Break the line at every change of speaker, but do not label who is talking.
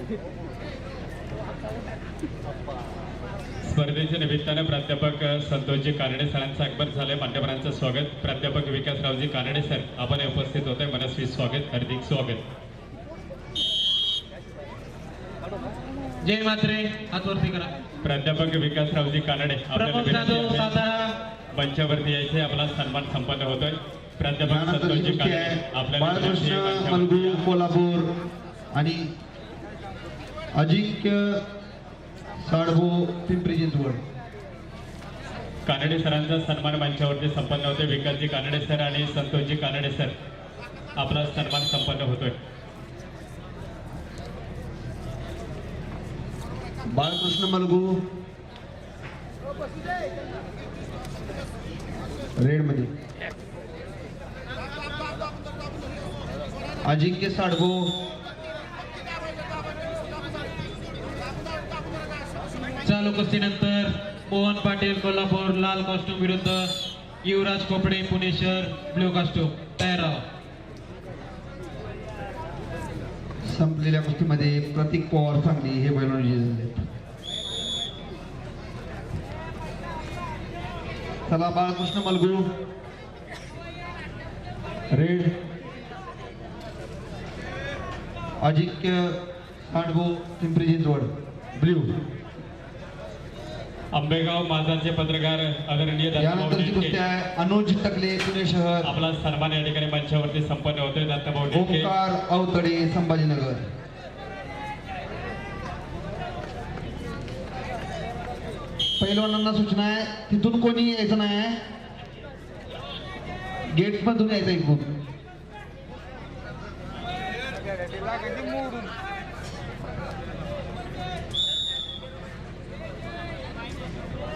स्पर्धेच्या निमित्ताने प्राध्यापक संतोषजी कानडे सरांचं आगमन झाले. मान्यवरांचं स्वागत. प्राध्यापक विकासरावजी कानडे सर आपण उपस्थित होते. मनस्वी स्वागत, हार्दिक स्वागत.
जय मात्रे, हातवरती करा.
प्राध्यापक विकासरावजी कानडे मंचावरती यायचे. आपला सन्मान संपन्न होतोय. प्राध्यापक संतोषजी कानडे
आपल्याला मलगू कोल्हापूर आणि अजिंक्य साडभो पिंपरी चिंचवड.
कानडे सरांचा सन्मान मंचावरती संपन्न होतोय. विकासजी कानडे सर आणि संतोषजी कानडे सर आपला सन्मान संपन्न होतोय.
बाळकृष्ण मलगू रेड मध्ये, अजिंक्य साडभो
चालू कुस्तीनंतर मोहन पाटील कोल्हापूर लाल कॉस्ट्यूम विरुद्ध युवराज कोपडे पुणे शहर ब्ल्यू कॉस्ट्यूम. तयार राहा.
संपलेल्या कुस्तीमध्ये प्रतीक पवार सांगली हे बैलगाडी विजेते झाले. चला बाळकृष्ण मलगू रेड, अजिंक्य साडभो पिंपरी चिंचवड ब्ल्यू.
आंबेगाव माझाचे पत्रकार आदरणीय
यानंतरची कुस्ती आहे अनुज टकले पुणे शहर.
आपला सन्मान या ठिकाणी मंचावरती संपन्न होतोय. दत्तभाऊ ढेके,
ओंकार अवतडे संभाजीनगर. पैलवानांना सूचना आहे तिथून कोणी यायचं नाही, गेट मधून यायचं इकडून.